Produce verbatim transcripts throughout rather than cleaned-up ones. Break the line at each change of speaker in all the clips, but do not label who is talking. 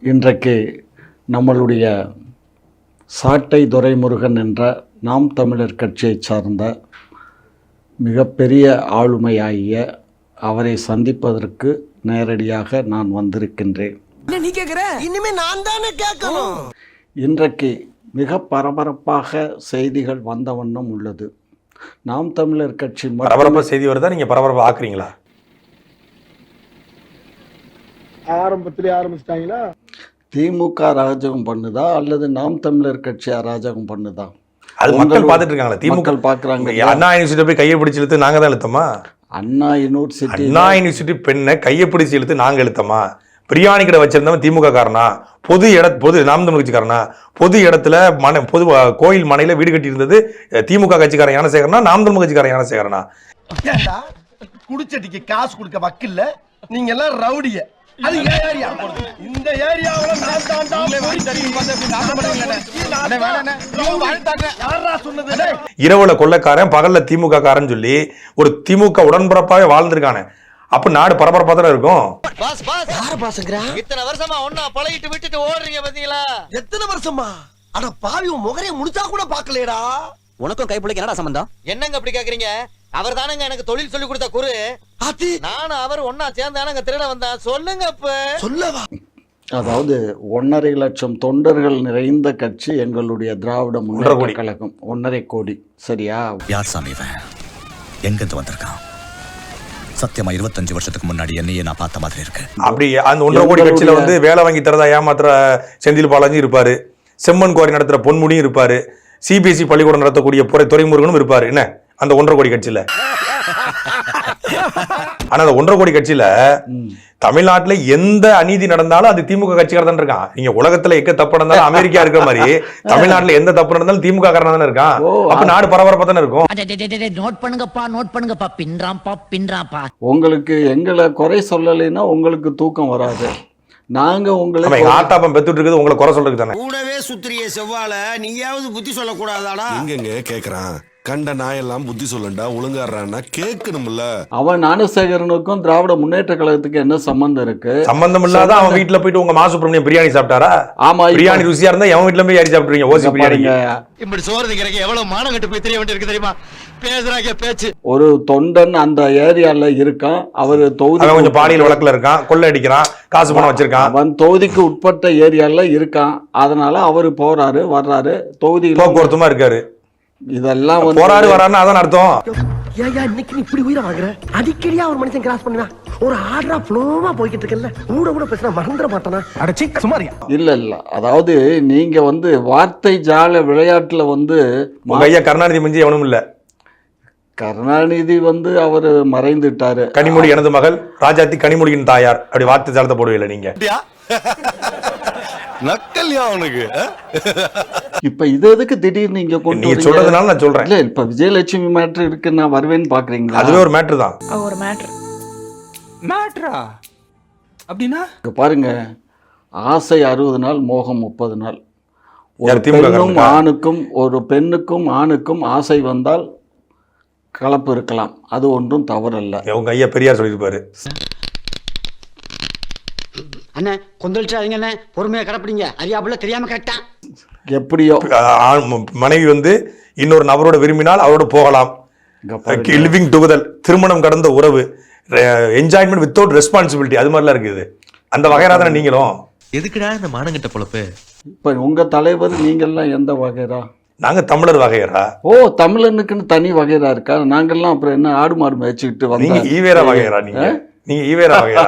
இன்றைக்கு நம்மளுடைய சாட்டை துரைமுருகன் என்ற நாம் தமிழர் கட்சியை சார்ந்த மிகப்பெரிய ஆளுமையாகிய அவரை சந்திப்பதற்கு நேரடியாக நான் வந்திருக்கின்றேன்.
நீ கேக்குற இனிமே நான் தானே கேட்கணும்.
இன்றைக்கு மிக பரபரப்பாக செய்திகள் வந்த வண்ணம் உள்ளது. நாம் தமிழர் கட்சி
பரபரப்பாக செய்தி வருதா, நீங்க பரபரப்பா ஆக்குறீங்களா?
ஆரம்பத்திலே ஆரம்பிச்சிட்டாங்களா?
திமுக அராஜகம் பண்ணுதா அல்லது நாம் தமிழர் கட்சி அராஜகம் பண்ணுதா?
அது மக்கள் பார்த்துட்டு இருக்காங்களா? திமுக
பார்க்குறாங்க.
அண்ணா யூனிவர்சிட்டி போய் கையை பிடிச்சி இழுத்து நாங்க தான் இழுத்தமா?
அண்ணா யூனிவர்சிட்டி
அண்ணா யூனிவர்சிட்டி பெண்ணை கையை பிடிச்சி இழுத்து நாங்க இழுத்தமா? பிரியாணி கடை வச்சிருந்தவன் திமுக காரனா? பொது இட பொது நாம் தமிழ் கட்சிக்காரனா? பொது இடத்துல மனை பொது கோயில் மனையில வீடு கட்டி இருந்தது திமுக கட்சிக்காரன் ஞானசேகரனா நாம் தமிழ் கட்சிக்காரன் ஞானசேகரனா?
குடிச்சட்டிக்கு காசு கொடுக்க வக்கில்ல, நீங்க எல்லாம் ரவுடிய. அது ஏரியா, இந்த ஏரியாவுல நான் தாண்டா
இரவுல கொள்ளைக்காரன் பகல்ல திமுக காரன் சொல்லி ஒரு திமுக உடன்பரப்பாவே வாழ்ந்திருக்கானே. அப்ப நாடு பரபரப்பா தானே இருக்கும்.
பாஸ் பாஸ் யார பாஸ்ங்கற?
இத்தனை வருஷமா ஒண்ணா பழகிட்டு விட்டுட்டு ஓடுறீங்க பாத்தீங்களா?
எத்தனை வருஷமா? அட பாவி, உன் முகரைய முடிச்சா கூட பாக்கலடா.
உனக்கும் கைப்புள்ளைக்கு என்னடா சம்பந்தம்? என்னங்க அப்படி கேக்குறீங்க? அவர் தானங்க எனக்கு தொழில் சொல்லி கொடுத்த குரு.
ஆத்தி
நானும் அவர் ஒண்ணா சேர்ந்தானங்க திருட வந்தா. சொல்லுங்க அப்ப.
சொல்லவா?
அதாவது ஒன்னரை லட்சம் தொண்டர்கள் நிறைந்த கட்சி எங்களுடைய திராவிட முன்னேற்ற கழகம். ஒன்னரை கோடி. சரியா?
யார் சாமி இவன்? எங்கிருந்து வந்திருக்கான்? சத்தியமா இருபத்தஞ்சு வருஷத்துக்கு முன்னாடி என்னையே நான் பார்த்த மாதிரி இருக்கு.
அப்படி அந்த ஒன்றரை கோடி கட்சியில வந்து வேலை வாங்கி தரதா ஏமாத்துற செந்தில் பாலாஜி இருப்பாரு, செம்மன் குவாரி நடத்துற பொன்முடியும் இருப்பாரு, சிபிஎஸ்இ பள்ளிக்கூடம் நடத்தக்கூடிய புறை துரைமுருகனும் இருப்பாரு. என்ன அந்த ஒன்றரை கோடி கட்சியில? ஆனா அந்த ஒன்றரை கோடி கட்சியில தமிழ்நாட்டுல எந்த அநீதி நடந்தாலும் அது திமுக கட்சிக்காரர் தான் இருக்கான். நீங்க உலகத்துல எக்க தப்பு நடந்தாலும் அமெரிக்கா இருக்கிற மாதிரி தமிழ்நாட்டுல எந்த தப்பு நடந்தாலும் திமுக காரனா தானே இருக்கான். அப்ப நாடு பரபரப்பா தானே இருக்கும்.
நோட் பண்ணுங்கப்பா, நோட் பண்ணுங்கப்பா. பின்றாம்பா பின்றாம்பா.
உங்களுக்கு எங்களை குறை சொல்லலைன்னா உங்களுக்கு தூக்கம் வராது. நாங்க உங்களுக்கு
ஆட்டாப்பம் பெத்துட்டு இருக்குது உங்களை குறை சொல்றதுக்கு தானே.
கூடவே சுத்திரிய செவ்வால நீயாவது புத்தி சொல்ல கூடாதாடா?
எங்கங்க கேக்குறான்? கண்ட நாயெல்லாம் புத்தி சொல்லண்டா ஒழுங்காடுறான்னா கேட்கணும்ல.
அவன் ஞானசேகரனுக்கும் திராவிட முன்னேற்ற கழகத்துக்கு என்ன சம்பந்தம் இருக்கு?
சம்பந்தம் இல்லாத அவன் வீட்டுல போயிட்டு உங்க மாசுப்பிரமணியம் பிரியாணி சாப்பிட்டாரா?
ஆமா,
பிரியாணி ருசியா இருந்தா எவன் வீட்டுல போய் யாரி சாப்பிட்டுறீங்க? ஓசி பிரியாணி.
இப்படி சோறு திங்கிறக்கு எவ்வளவு மானம் கட்டு போய் தெரிய வேண்டியிருக்கு தெரியுமா? பேசுறாங்க பேச்சு.
ஒரு தொண்டன் அந்த ஏரியால இருக்கான். அவர் தொகுதி
கொஞ்சம் பாலியல் வழக்குல இருக்கான், கொள்ளை அடிக்கிறான், காசு பணம் வச்சிருக்கான்.
அவன் தொகுதிக்கு உட்பட்ட ஏரியால இருக்கான். அதனால அவரு போறாரு வர்றாரு, தொகுதியில்
போக்குவரத்துமா இருக்காரு.
இதெல்லாம்
போராடு வரான்னு அதான் அர்த்தம்.
ஏயா இன்னைக்கு நீ இப்படி உயிரை வாங்குற? அடிக்கடியா ஒரு மனுஷன் கிராஸ் பண்ணுவா, ஒரு ஆர்டரா ஃப்ளோவா போய்கிட்டு இருக்கல, கூட கூட பேசினா மறந்துட மாட்டானா? அடச்சி சுமாரியா? இல்ல இல்ல, அதாவது நீங்க வந்து வார்த்தை ஜால விளையாட்டுல வந்து
உங்க ஐயா கருணாநிதி மிஞ்சி எவனும் இல்ல.
கருணாநிதி வந்து அவரு மறைந்துட்டாரு.
கனிமொழி எனது மகள், ராஜாத்தி கனிமொழியின் தாயார். அப்படி வார்த்தை ஜாலத்தை போடுவீங்க நீங்க.
நக்கல்யா அவனுக்கு.
இப்ப இது எதுக்கு திடீர்னு நீங்க கொண்டு
நீங்க சொல்றதுனால நான் சொல்றேன்.
இல்ல இப்ப விஜயலட்சுமி மேட்டர் இருக்கு, நான் வருவேன்னு பாக்குறீங்களா?
அதுவே ஒரு மேட்டர் தான்.
ஒரு மேட்டர். மேட்டரா? அப்படின்னா
இங்க பாருங்க, ஆசை அறுபது நாள், மோகம் முப்பது நாள். ஒரு
யார் திமுக
பெண்ணும் ஆணுக்கும் ஒரு பெண்ணுக்கும் ஆணுக்கும் ஆசை வந்தால் கலப்பு இருக்கலாம், அது ஒன்றும் தவறல்ல.
உங்க ஐயா பெரியார் சொல்லியிருப்பாரு.
அண்ணே கொந்தளிச்சாதீங்க அண்ணே, பொறுமையா கடப்பிடிங்க. அறியாப்புல தெரியாம கேட்டான்.
எப்படியோ
மனைவி வந்து இன்னொரு நபரோட விரும்பினால் அவரோட போகலாம். லிவிங் டுகெதர், திருமணம் கடந்த உறவு, என்ஜாய்மெண்ட் வித்தவுட் ரெஸ்பான்சிபிலிட்டி, அது மாதிரிலாம் இருக்குது. அந்த வகைரா தானே நீங்களும்.
எதுக்குடா இந்த மானங்கிட்ட பொழப்பு?
இப்ப உங்க தலைவர் நீங்கெல்லாம் எந்த வகைரா?
நாங்க தமிழர் வகையரா.
ஓ, தமிழனுக்குன்னு தனி வகைரா இருக்கா? நாங்கெல்லாம் அப்புறம் என்ன ஆடு மாடு மேய்ச்சிக்கிட்டு வந்தோம்?
நீங்க ஈவேரா வகையரா? நீங்க நீங்க ஈவேரா வகையரா?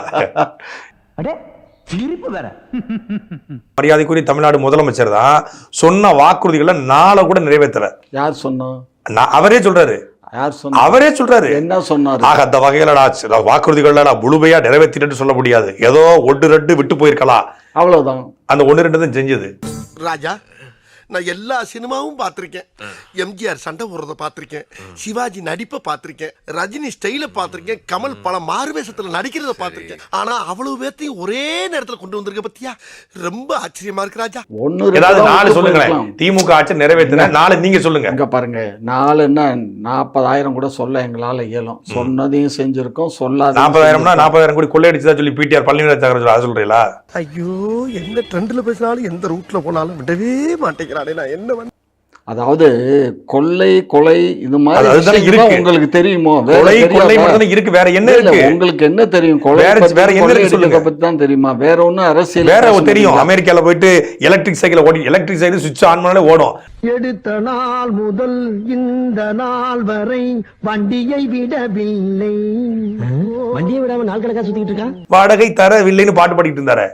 மரியாதைக்குரிய தமிழ்நாடு முதலமைச்சர் தான் சொன்ன வாக்குறுதிகளை நாளை கூட நிறைவேற்றல.
யார் சொன்னா?
அவரே சொல்றாரு.
யார் சொன்னா?
அவரே சொல்றாரு.
என்ன சொன்னாரு?
ஆக அந்த வகையில வாக்குறுதிகள் முழுமையா நிறைவேற்றிட்டு சொல்ல முடியாது. ஏதோ ஒன்று ரெண்டு விட்டு போயிருக்கலாம்,
அவ்வளவுதான்.
அந்த ஒன்று ரெண்டு தான் செஞ்சது.
ராஜா, நான் எல்லா சினிமாவும் பார்த்திருக்கேன். எம்ஜிஆர் சண்டை போடுறத பார்த்திருக்கேன், சிவாஜி நடிப்பை பார்த்திருக்கேன், ரஜினி ஸ்டைல பார்த்திருக்கேன், கமல் பல மாறுவேஷத்துல நடிக்கிறத பார்த்திருக்கேன். ஆனா அவ்வளவு பேர்த்தையும் ஒரே நேரத்துல கொண்டு வந்திருக்க பத்தியா, ரொம்ப ஆச்சரியமா இருக்கு ராஜா.
ஒன்னு
ஏதாவது நாலு சொல்லுங்களேன். திமுக ஆட்சி நிறைவேற்றின நாலு நீங்க சொல்லுங்க.
இங்க பாருங்க, நாலுன்னா நாற்பதாயிரம் கூட சொல்ல எங்களால இயலும். சொன்னதையும் செஞ்சிருக்கோம், சொல்லாத
நாற்பதாயிரம்னா நாற்பதாயிரம் கோடி கொள்ளையடிச்சதா சொல்லி பிடிஆர் பழனிவேல் சாகர் சொல்றீங்களா?
ஐயோ, எந்த ட்ரெண்ட்ல பேசினாலும் எந்த ரூட்ல போனாலும் விடவே மாட்டேங்கிறானே. நான் என்ன பண்ண?
அதாவது கொள்ளை கொலை இது மாதிரி
அதுதானே
விஷயங்கள்
இருக்கு.
உங்களுக்கு தெரியுமோ? வேற
கொலை கொள்ளை
தெரியாதா?
மட்டும் இருக்கு, வேற என்ன
இல்ல,
இருக்கு?
உங்களுக்கு என்ன தெரியும்? கொலை
வேற
பத்தி,
வேற என்ன
கொள்ளை
இருக்கு சொல்லுங்க.
அடிக்கிறத பத்தி தான் தெரியுமா? வேற ஒண்ணும் அரசியல்
வேற
பேச
தெரியும்.
முடியல.
அமெரிக்கால போயிட்டு எலக்ட்ரிக் சைக்கிள் ஓடி எலக்ட்ரிக் சைக்கிள் சுவிட்ச் ஆன் பண்ணாலே ஓடும்.
எடுத்த நாள் முதல் இந்த நாள் வரை வண்டியை விடவில்லை. வண்டியை விடாம நாள் கணக்கா சுத்திட்டு இருக்கான்.
வாடகை தரவில்லைன்னு பாட்டு பாடிட்டு இருந்தாரு.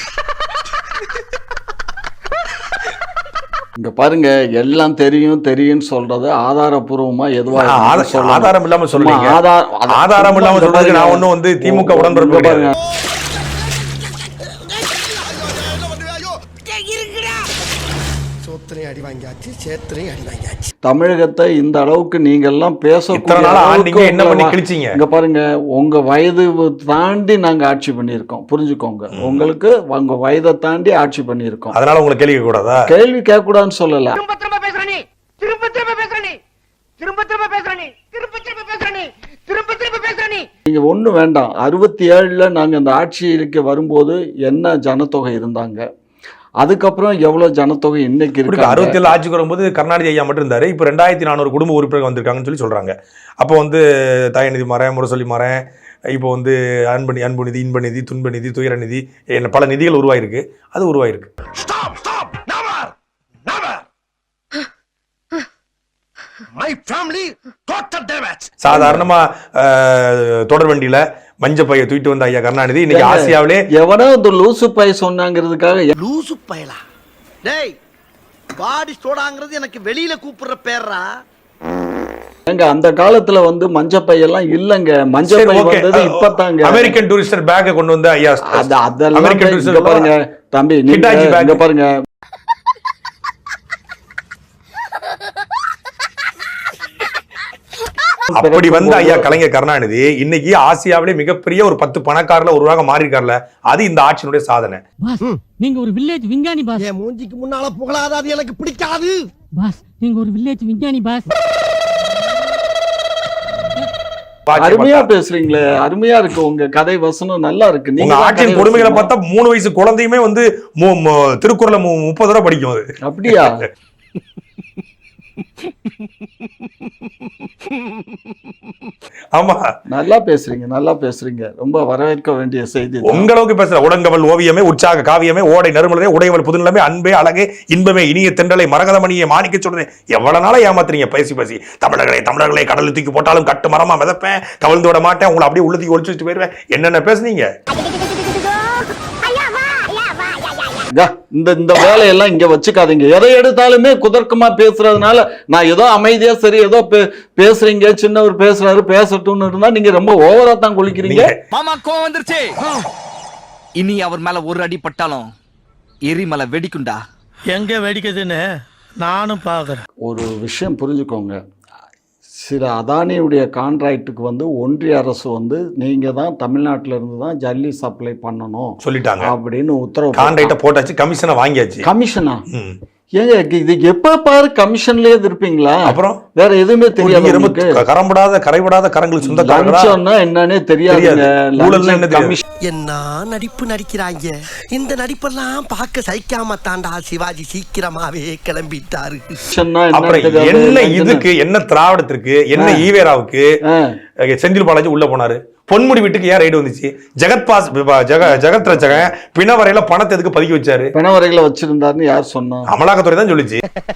இங்க பாருங்க, எல்லாம் தெரியும் தெரியும் சொல்றது ஆதாரபூர்வமா எதுவா
ஆ, ஆத-
சொல்லணும்.
ஆதாரம் இல்லாம சொல்றீங்க.
சும்மா ஆதார- அத-
ஆதாரம் இல்லாம
சும்மா
சொல்றதுக்கு நான்
பாருங்க.
ஒண்ணும் வந்து திமுக
இங்க
உடன்பிறப்பு
பாருங்க.
சோத்திரையும் அடி வாங்கியாச்சு, சேத்திரையும் அடி வாங்கியாச்சு.
தமிழகத்தை இந்த அளவுக்கு நீங்க எல்லாம்
இத்தனை
பேசக்கூடிய
நாளா
அளவுக்கு
ஆண்டீங்க, என்ன பண்ணி
உங்களை-
கிழிச்சீங்க?
இங்க பாருங்க, உங்க வயது தாண்டி நாங்க ஆட்சி பண்ணியிருக்கோம். புரிஞ்சுக்கோங்க, உங்களுக்கு உங்க வயதை தாண்டி ஆட்சி பண்ணியிருக்கோம்.
அதனால உங்களை கேள்வி கேட்க கூடாதா?
கேள்வி கேட்க கூடாதுன்னு சொல்லல.
திரும்ப திரும்ப பேசுற நீ திரும்ப திரும்ப பேசுற நீ திரும்ப திரும்ப பேசுற நீ திரும்ப திரும்ப பேசுற நீ திரும்ப திரும்ப பேசுற நீ
நீங்க ஒண்ணு வேண்டாம். அறுபத்தி ஏழுல நாங்க இந்த ஆட்சிக்கு வரும்போது என்ன ஜனத்தொகை இருந்தாங்க, அதுக்கப்புறம் எவ்வளவு ஜனத்தொகை இன்னைக்கு இருக்கு.
அறுபத்தி ஏழு ஆட்சிக்கு வரும்போது கருணாநிதி ஐயா மட்டும் இருந்தாரு. இப்போ ரெண்டாயிரத்தி நானூறு குடும்ப உறுப்பினர்கள் வந்திருக்காங்கன்னு சொல்லி சொல்றாங்க. அப்போ வந்து தயநிதி மறேன், முரசொலி மறேன், இப்போ வந்து அன்பு அன்பு நிதி, இன்ப நிதி, துன்ப நிதி, துயர நிதி, என்ன பல நிதிகள் உருவாயிருக்கு. அது உருவாயிருக்கு. சாதாரணமா தொடர் வண்டியில மஞ்ச பைய தூக்கிட்டு வந்த ஐயா கருணாநிதி இன்னைக்கு ஆசியாவிலே
எவனோ இந்த லூசு பை சொன்னாங்கிறதுக்காக
லூசு பயலா? டேய், பாடி சோடாங்கிறது எனக்கு வெளியில கூப்பிடுற பேர்ரா.
எங்க அந்த காலத்துல வந்து மஞ்சப்பை எல்லாம் இல்லங்க. மஞ்சப்பை வந்தது இப்பதாங்க.
அமெரிக்கன் டூரிஸ்டர் பேக்கை கொண்டு வந்து ஐயா
அது அதெல்லாம்
அமெரிக்கன்
இங்க
டூரிஸ்டர்
பாருங்க தம்பி, நீங்க இங்க பாருங்க.
அப்படி வந்து ஐயா கலைஞர் கருணாநிதி இன்னைக்கு ஆசியாவிலே மிகப்பெரிய ஒரு பத்து பணக்காரர்ல ஒருவராக மாறி இருக்கார்ல, அது இந்த ஆட்சியினுடைய சாதனை.
நீங்க ஒரு வில்லேஜ் விஞ்ஞானி பாஸ்.
என் மூஞ்சிக்கு முன்னால புகழாத, அது எனக்கு பிடிக்காது
பாஸ், நீங்க ஒரு வில்லேஜ் விஞ்ஞானி பாஸ்.
அருமையா பேசுறீங்களே, அருமையா இருக்கு. உங்க கதை வசனம் நல்லா இருக்கு.
நீங்க ஆட்சியின் கொடுமைகளை பார்த்தா மூணு வயசு குழந்தையுமே வந்து திருக்குறளை முப்பது தடவை படிக்கும். அது
அப்படியா?
ஆமா,
நல்லா பேசுறீங்க, நல்லா பேசுறீங்க. ரொம்ப வரவேற்க வேண்டிய செய்தி.
உங்களுக்கு பேசுற உடங்கவல் ஓவியமே, உற்சாக காவியமே, ஓடை நறுமலரே, உடையவள் புதுநிலமே, அன்பே அழகே, இன்பமே, இனிய தென்றலை, மரகதமணியை, மாணிக்க சொல்றேன். எவ்வளவு நாளா ஏமாத்துறீங்க பேசி பேசி. தமிழர்களே தமிழர்களே கடலில் தூக்கி போட்டாலும் கட்டு மரமா மிதப்பேன், கவிழ்ந்து விட மாட்டேன், உங்களை அப்படியே உள்ளத்துக்கு ஒழிச்சு வச்சுட்டு போயிருவேன். என்னென்ன பேசுனீங்க?
இந்த இந்த வேலையெல்லாம் இங்க வச்சுக்காதீங்க. எதை எடுத்தாலுமே குதர்க்கமா பேசுறதுனால நான் ஏதோ அமைதியா சரி ஏதோ பேசுறீங்க, சின்னவர் பேசுறாரு பேசட்டும்னு இருந்தா நீங்க ரொம்ப ஓவரா தான் குளிக்கிறீங்க.
மாமா கோவம் வந்துருச்சு. இனி அவர் மேல ஒரு அடி பட்டாலும் எரிமலை வெடிக்குண்டா.
எங்க வெடிக்குதுன்னு நானும் பாக்குறேன்.
ஒரு விஷயம் புரிஞ்சுக்கோங்க, சில அதானியுடைய கான்ட்ராக்டுக்கு வந்து ஒன்றிய அரசு வந்து நீங்க தான் தமிழ்நாட்டில இருந்து தான் ஜல்லி சப்ளை பண்ணணும்
சொல்லிட்டாங்க
அப்படின்னு உத்தரவு.
கான்ட்ராக்ட போட்டாச்சு, கமிஷனை வாங்கியாச்சு.
கமிஷனா? ஏங்க இது எப்ப பாரு கமிஷன்லயே இருப்பீங்களா?
அப்புறம்
வேற எதுவுமே தெரியாது.
ரொம்ப கரம்படாத கரைபடாத கரங்களுக்கு சொந்தக்காரங்களா
என்னன்னே தெரியாதுங்க.
என்ன நடிப்பு நடிக்கிறாங்க. இந்த நடிப்பெல்லாம் பார்க்க சகிக்காம தாண்டா சிவாஜி சீக்கிரமாவே கிளம்பிட்டாரு.
அப்புறம் என்ன இதுக்கு, என்ன திராவிடத்திற்கு, என்ன ஈவேராவுக்கு செந்தில் பாலாஜி உள்ள போனாரு? பொன்முடி வீட்டுக்கு ஏன் ரைடு வந்துச்சு? ஜெகத் பாஸ் ஜெக ஜெகத் ரச்சகன் பிணவரையில பணத்தை எதுக்கு பதுக்கி வச்சாரு?
பிணவரையில வச்சிருந்தாருன்னு யார் சொன்னா?
அமலாக்கத்துறை தான் சொல்லிச்சு.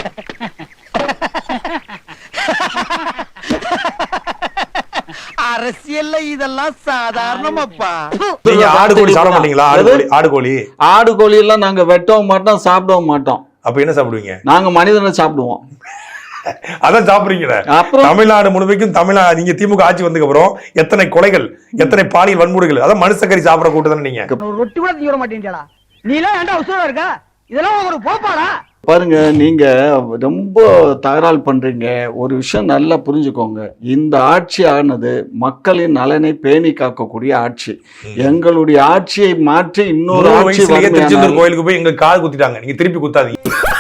அரசியல்ல இதெல்லாம் சாதாரணமாப்பா.
நீங்க ஆடு கோழி சாப்பிட மாட்டீங்களா? ஆடு கோழி ஆடு கோழி
ஆடு கோழி எல்லாம் நாங்க வெட்டவும் மாட்டோம், சாப்பிடவும் மாட்டோம்.
அப்ப என்ன சாப்பிடுவீங்க?
நாங்க மனிதனை சாப்பிடுவோம்.
அதான் சாப்பிடுறீங்களே. தமிழ்நாடு முழுமைக்கும் தமிழ்நாடு நீங்க திமுக ஆட்சி வந்ததுக்கு அப்புறம் எத்தனை கொலைகள், எத்தனை பாலியல் வன்முறைகள், அதான் மனுஷக்கறி சாப்பிட கூட்டம் தானே நீங்க.
ரொட்டி கூட தீர மாட்டீங்களா? நீ எல்லாம் ஏன்டா உசுரா இருக்க? இதெல்லாம் ஒரு போப்பாடா?
பாருங்க, நீங்க ரொம்ப தகராறு பண்றீங்க. ஒரு விஷயம் நல்லா புரிஞ்சுக்கோங்க. இந்த ஆட்சி ஆனது மக்களின் நலனை பேணி காக்கக்கூடிய ஆட்சி. எங்களுடைய ஆட்சியை மாற்றி இன்னொரு
நூறு
ஆட்சி
வயசுலயே திருச்செந்தூர்
வருமானால்
கோயிலுக்கு போய் எங்களுக்கு காது குத்திட்டாங்க. நீங்க திருப்பி குத்தாதீங்க.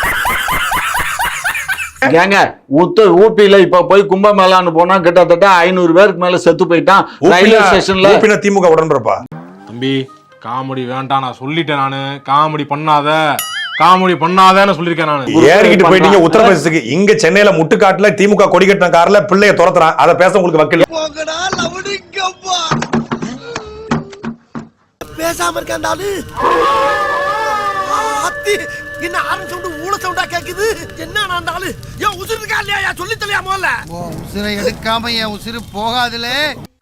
ஏங்க உத்த ஊப்பியில இப்ப போய் கும்பமேளான்னு போனா கிட்டத்தட்ட ஐநூறு பேருக்கு மேல செத்து போயிட்டான் ரயில்வே ஸ்டேஷன்ல.
ஊப்பினா திமுக உடன்றப்பா.
தம்பி காமெடி வேண்டாம், நான் சொல்லிட்டேன். நானு காமெடி பண்ணாத காமெடி பண்ணாதன்னு சொல்லிருக்கேன் நானு.
ஏறிக்கிட்டு போயிட்டீங்க உத்தரப்பிரதேசத்துக்கு. இங்க சென்னையில முட்டுக்காட்டுல திமுக கொடி கட்டின கார்ல பிள்ளைய துரத்துறான். அதை பேச உங்களுக்கு வக்கீல்.
பேசாம இருக்காண்டாலு என்ன ஆரன் சவுண்ட் ஊள சவுண்டா கேக்குது. என்ன ஆனாலும் ஏன் உசுறு இருக்கா இல்லையா சொல்லி தெரியாமல.
உசுரை எடுக்காம என் உசுறு போகாதுல.